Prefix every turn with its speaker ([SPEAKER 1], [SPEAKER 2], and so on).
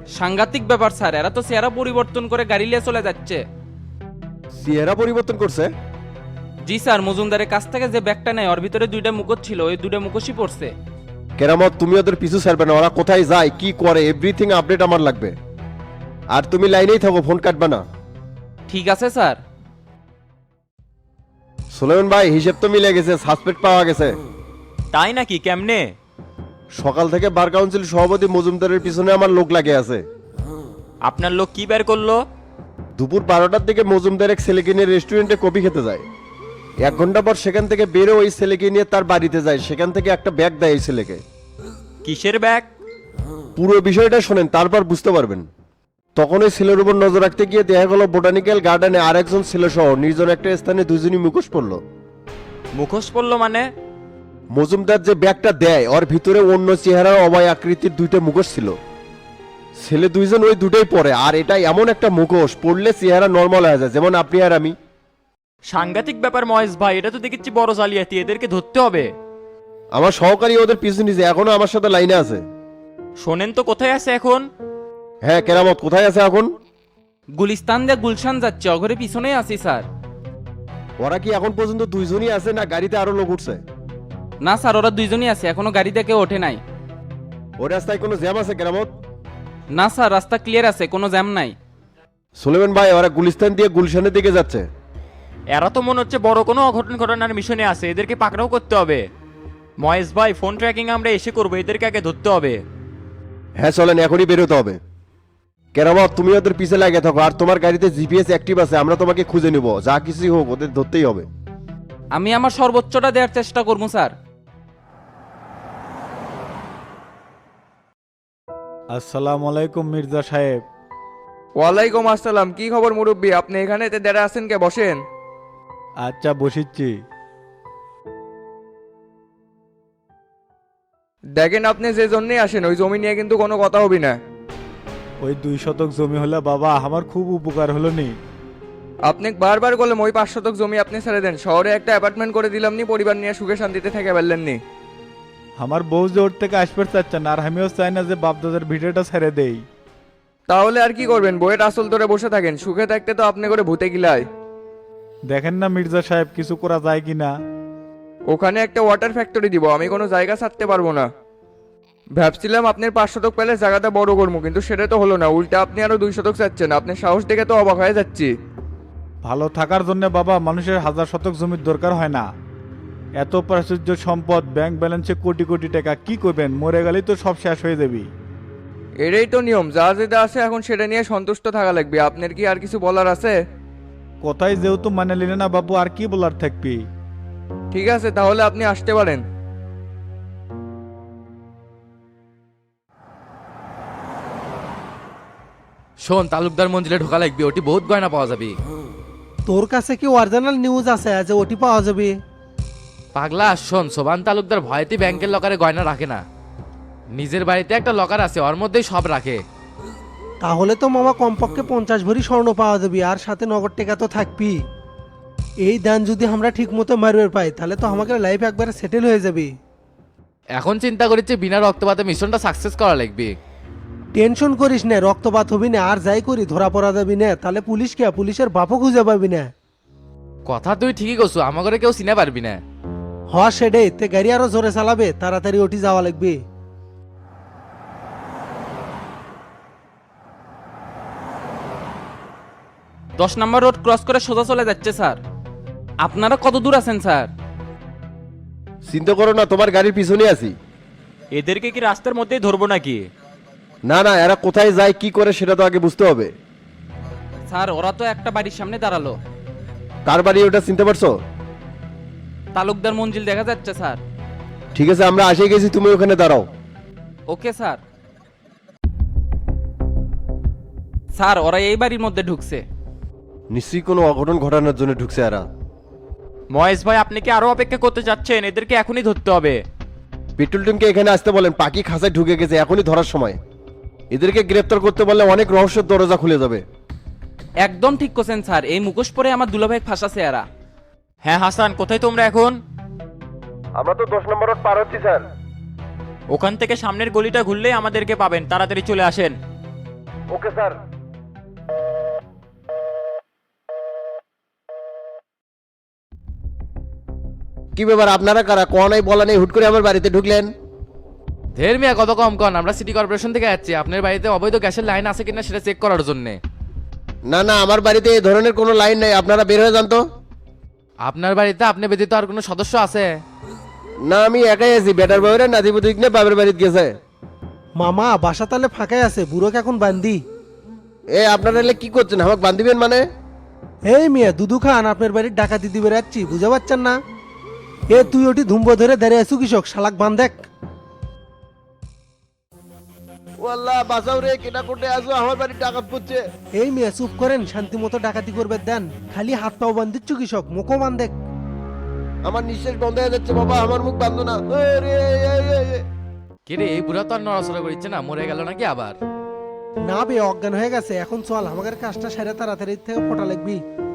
[SPEAKER 1] সাংঘাতিক ব্যাপার স্যার, এরা তো চেহারা পরিবর্তন করে গাড়ি নিয়ে চলে যাচ্ছে।
[SPEAKER 2] চেহারা পরিবর্তন করছে?
[SPEAKER 1] জি স্যার, মজুমদারের কাছ থেকে যে ব্যাগটা নেয় ওর ভিতরে দুইটা মুখোশ ছিল, ওই দুইটা মুখোশই পড়ছে।
[SPEAKER 2] কেরামত, তুমি ওদের পিছু ছাড়বে না। ওরা কোথায় যায়, কি করে, এভরিথিং আপডেট আমার লাগবে। আর তুমি লাইনেই থাকো, ফোন কাটবে না।
[SPEAKER 1] ঠিক আছে স্যার।
[SPEAKER 2] সুলেমান ভাই, হিসেব তো মিলে গেছে, সাসপেক্ট পাওয়া গেছে।
[SPEAKER 3] তাই নাকি? কেমনে?
[SPEAKER 2] সকাল থেকে বার কাউন্সিল সভাপতি মজুমদারের পিছনে আমার লোক লাগে আছে।
[SPEAKER 3] আপনার লোক কি বের করলো?
[SPEAKER 2] দুপুর 12টার দিকে মজুমদার এক ছেলেকে নিয়ে রেস্টুরেন্টে কফি খেতে যায়। 1 ঘন্টা পর সেখান থেকে বেরো ওই ছেলেকে নিয়ে তার বাড়িতে যায়। সেখান থেকে একটা ব্যাগ দেয় এই ছেলেকে।
[SPEAKER 3] কিসের ব্যাগ?
[SPEAKER 2] পুরো বিষয়টা শোনেন, তারপর বুঝতে পারবেন। তখন ওই ছেলের উপর নজর রাখতে গিয়ে দেখা গেল বোটানিক্যাল গার্ডেনে আরেকজন ছেলে সহ নির্জন একটা স্থানে দুজনই মুখোশ পড়লো।
[SPEAKER 3] মুখোশ পড়লো মানে?
[SPEAKER 2] মজুমদার যে ব্যাগটা দেয় ওর ভিতরে অন্য চেহারার অবায় আকৃতির দুইটা মুখোশ ছিল। ছেলে দুইজন ওই দুটোই পরে, আর এটা এমন একটা মুখোশ পড়লে চেহারা নর্মাল হয়ে যায়, যেমন আপনি আর আমি।
[SPEAKER 3] সাংঘাতিক ব্যাপার মহেশ ভাই, এটা তো দেখেছি বড় জালিয়াতি, এদেরকে ধরতে হবে।
[SPEAKER 2] আমার সহকারী ওদের পিছু নিছে, এখনো আমার সাথে লাইনে আছে।
[SPEAKER 3] শোনেন তো, কোথায় আছে এখন?
[SPEAKER 2] হ্যাঁ, কেরামত কোথায় আছে এখন?
[SPEAKER 1] গুলিস্তান দিয়ে গুলশান যাচ্ছে, অঘরে পিছনেই আছি স্যার।
[SPEAKER 2] ওরা কি এখন পর্যন্ত দুইজনই আছে, না গাড়িতে আরো লোক উঠছে?
[SPEAKER 1] না স্যার, ওরা দুইজনই আছে, এখনো গাড়িতে কেউ ওঠে নাই।
[SPEAKER 2] ওই রাস্তায় কোনো জ্যাম আছে কেরামত?
[SPEAKER 1] না স্যার, রাস্তা ক্লিয়ার আছে, কোনো জ্যাম নাই।
[SPEAKER 2] সুলেমান ভাই, ওরা গুলিস্তান দিয়ে গুলশানের দিকে যাচ্ছে।
[SPEAKER 3] এরা তো মনে হচ্ছে বড় কোনো অঘটন ঘটনার মিশনে আছে, এদেরকে পাকড়াও করতে হবে। মহেশ ভাই, ফোন ট্র্যাকিং আমরা এসে করবো, এদেরকে আগে ধরতে হবে।
[SPEAKER 2] হ্যাঁ চলেন, এখনই বেরোতে হবে। কেরামত, তুমি ওদের পিছে লাগে থাকো, আর তোমার গাড়িতে জিপিএস অ্যাক্টিভ আছে, আমরা তোমাকে খুঁজে নিব। যা কিছুই হোক ওদের ধরতেই হবে।
[SPEAKER 1] আমি আমার সর্বোচ্চটা দেওয়ার চেষ্টা করবো স্যার।
[SPEAKER 4] আসসালামু আলাইকুম মির্জা সাহেব।
[SPEAKER 5] ওয়ালাইকুম আসসালাম। কি খবর মুরব্বী? আপনি এখানে দাঁড়া আছেন কে? বসেন।
[SPEAKER 4] আচ্ছা বসিচ্ছি।
[SPEAKER 5] দেখেন, আপনি যে জন্যই আসেন ওই জমি নিয়ে কিন্তু কোনো কথা হবি না।
[SPEAKER 4] ওই 2 শতক জমি হলে বাবা আমার খুব উপকার হলো নি।
[SPEAKER 5] আপনি বারবার বললাম ওই 5 শতক জমি আপনি ছেড়ে দেন, শহরে একটা অ্যাপার্টমেন্ট করে দিলাম নি, পরিবার নিয়ে সুখে শান্তিতে থেকে পারলেন নি।
[SPEAKER 4] আমার বউ যে ওর থেকে আসবে চাচ্ছে না, আর আমিও চাই না যে বাপদাদার ভিডিওটা ছেড়ে দেই।
[SPEAKER 5] তাহলে আর কি করবেন? বইয়ের আসল ধরে বসে থাকেন? সুখে থাকতে তো আপনি করে ভূতে গিলায়।
[SPEAKER 4] দেখেন না মির্জা সাহেব, কিছু করা যায় কি না?
[SPEAKER 5] ওখানে একটা ওয়াটার ফ্যাক্টরি দিব, আমি কোনো জায়গা ছাড়তে পারবো না। ভাবছিলাম আপনার 5 শতক পেলে জায়গাটা বড় করবো, কিন্তু সেটা তো হলো না, উল্টা আপনি আরো 2 শতক চাচ্ছেন। আপনার সাহস দেখে তো অবাক হয়ে যাচ্ছি।
[SPEAKER 4] ভালো থাকার জন্য বাবা মানুষের 1000 শতক জমির দরকার হয় না। এত প্রাচুর্য সম্পদ, ব্যাংক ব্যালেন্সে কোটি কোটি টাকা, কি করবেন? মরে গেলেই তো সব শেষ হয়ে যাবি।
[SPEAKER 5] এটাই তো নিয়ম, যা যেটা আছে এখন সেটা নিয়ে সন্তুষ্ট থাকা লাগবে। আপনার কি আর কিছু বলার আছে?
[SPEAKER 4] কথাই যেহেতু মানে নিলে না বাবু, আর কি বলার থাকবি?
[SPEAKER 5] ঠিক আছে, তাহলে আপনি আসতে পারেন।
[SPEAKER 6] শোন, তালুকদার মঞ্জিলে ঢোকা লাগবে, ওটি বহুত গয়না পাওয়া যাবে।
[SPEAKER 7] তোর কাছে কি অরিজিনাল নিউজ আছে যে ওটি পাওয়া যাবে?
[SPEAKER 6] পাগলা শোন, সোবান তালুকদার ভয়তে ব্যাংকের লকারে গয়না রাখে না। নিজের বাড়িতে একটা লকার আছে, ওর মধ্যেই সব রাখে।
[SPEAKER 7] তাহলে তো মামা কমপক্ষে 50 ভরি স্বর্ণ পাওয়া যাবে, আর সাথে নগদ টাকা তো থাকবি। এই দান যদি আমরা ঠিক মতো মারবে পাই তাহলে তো আমাকে লাইফ একবারে সেটেল হয়ে যাবে।
[SPEAKER 6] এখন চিন্তা করেছে বিনা রক্তপাতে মিশনটা সাকসেস করা লাগবে।
[SPEAKER 7] টেনশন করিস না, রক্তপাত হবি না, আর যাই করি ধরা পড়া যাবি না, তাহলে পুলিশ কে, পুলিশের বাপও খুঁজে পাবি না।
[SPEAKER 6] কথা তুই ঠিকই করছো, আমাকে কেউ চিনে পারবি না।
[SPEAKER 7] হ সেটাই, তে গাড়ি আরো জোরে চালাবে, তাড়াতাড়ি ওটি যাওয়া লাগবে।
[SPEAKER 1] 10 নম্বর রোড ক্রস করে সোজা চলে যাচ্ছে স্যার। আপনারা কত দূর আছেন স্যার?
[SPEAKER 2] চিন্তা করো না, তোমার গাড়ির পিছনে আছি।
[SPEAKER 3] এদেরকে কি রাস্তার মধ্যেই ধরবো নাকি?
[SPEAKER 2] না না, এরা কোথায় যায় কি করে সেটা তো আগে বুঝতে হবে।
[SPEAKER 1] স্যার, ওরা তো একটা বাড়ির সামনে দাঁড়ালো।
[SPEAKER 2] কার বাড়ি ওটা চিনতে পারছো?
[SPEAKER 1] তালুকদার মঞ্জিল দেখা যাচ্ছে স্যার।
[SPEAKER 2] ঠিক আছে, আমরা আসে গেছি, তুমি ওখানে দাঁড়াও।
[SPEAKER 1] Okay sir. স্যার, ওরা এই বাড়ির মধ্যে ঢুকছে।
[SPEAKER 2] নিশ্চয়ই কোনো অঘটন ঘটানোর জন্য ঢুকছে এরা।
[SPEAKER 3] মহেশ ভাই, আপনি কি আরো অপেক্ষা করতে চাচ্ছেন? এদেরকে এখনই ধরতে হবে।
[SPEAKER 2] পেট্রোল টিমকে এখানে আসতে বলেন, পাখি খাঁচায় ঢুকে গেছে, এখনই ধরার সময়। এদেরকে গ্রেফতার করতে বললে অনেক রহস্যের দরজা খুলে যাবে।
[SPEAKER 1] একদম ঠিক করছেন স্যার, এই মুখোশ পরে আমার দুলাভাই ফাঁসাছে এরা।
[SPEAKER 3] হ্যাঁ হাসান, কোথায় তোমরা এখন?
[SPEAKER 2] আমরা তো 10 নম্বর রোড পার হচ্ছি স্যার।
[SPEAKER 3] ওখান থেকে সামনের গলিটা ঘুরলেই আমাদেরকে পাবেন, তাড়াতাড়ি চলে আসেন।
[SPEAKER 2] Okay sir. কি ব্যাপার, আপনারা কারা? কোয়ানাই বলা নেই, হুট করে আমার বাড়িতে ঢুকলেন?
[SPEAKER 6] ধের মিয়া কত কম কন, আমরা সিটি কর্পোরেশন থেকে যাচ্ছি আপনার বাড়িতে অবৈধ গ্যাসের লাইন আছে কিনা সেটা চেক করার জন্য।
[SPEAKER 2] না না, আমার বাড়িতে এই ধরনের কোনো লাইন নাই, আপনারা বের হয়ে যান তো।
[SPEAKER 6] আপনার বাড়িতে আপনি ব্যতীত আর কোনো সদস্য আছে?
[SPEAKER 2] না, আমি একাই আছি, বেটার বাবুরা নাতিপুতিক নিয়ে বাবার বাড়িতে গেছে।
[SPEAKER 7] মামা বাসা তাহলে ফাঁকাই আছে, বুড়োকে এখন বান্দি।
[SPEAKER 2] এ আপনারা এলে কি করছেন, আমাকে বান্ধিবেন মানে?
[SPEAKER 7] এই মিয়া দুদু খান আপনার বাড়ির ডাকাতি দিবে যাচ্ছি, বুঝতে পারছেন না? এ তুই ওটি ধুম্ব ধরে দাঁড়িয়ে আছু কৃষক, শালাক বান্ধেক।
[SPEAKER 2] ওয়াল্লাহ বাঁচাও রে, কেনা করতে আসো, আমার বাড়ি ডাকাত পড়ছে।
[SPEAKER 7] এই মিয়া চুপ করেন, শান্তি মতো ডাকাতি করবে দেন, খালি হাত পাও বান্ধিচ্ছ কৃষক, মুখও বান্ধেক।
[SPEAKER 2] আমার নিঃশ্বাস বন্ধ হয়ে যাচ্ছে বাবা, আমার মুখ বান্ধ না।
[SPEAKER 6] কে রে, এই বুড়া তো আর নড়াচড়া করছে না, মরে গেল নাকি আবার?
[SPEAKER 7] না বে অজ্ঞান হয়ে গেছে, এখন চল আমাদের কাজটা সেরে তাড়াতাড়ি থেকে ফোটা লাগবি।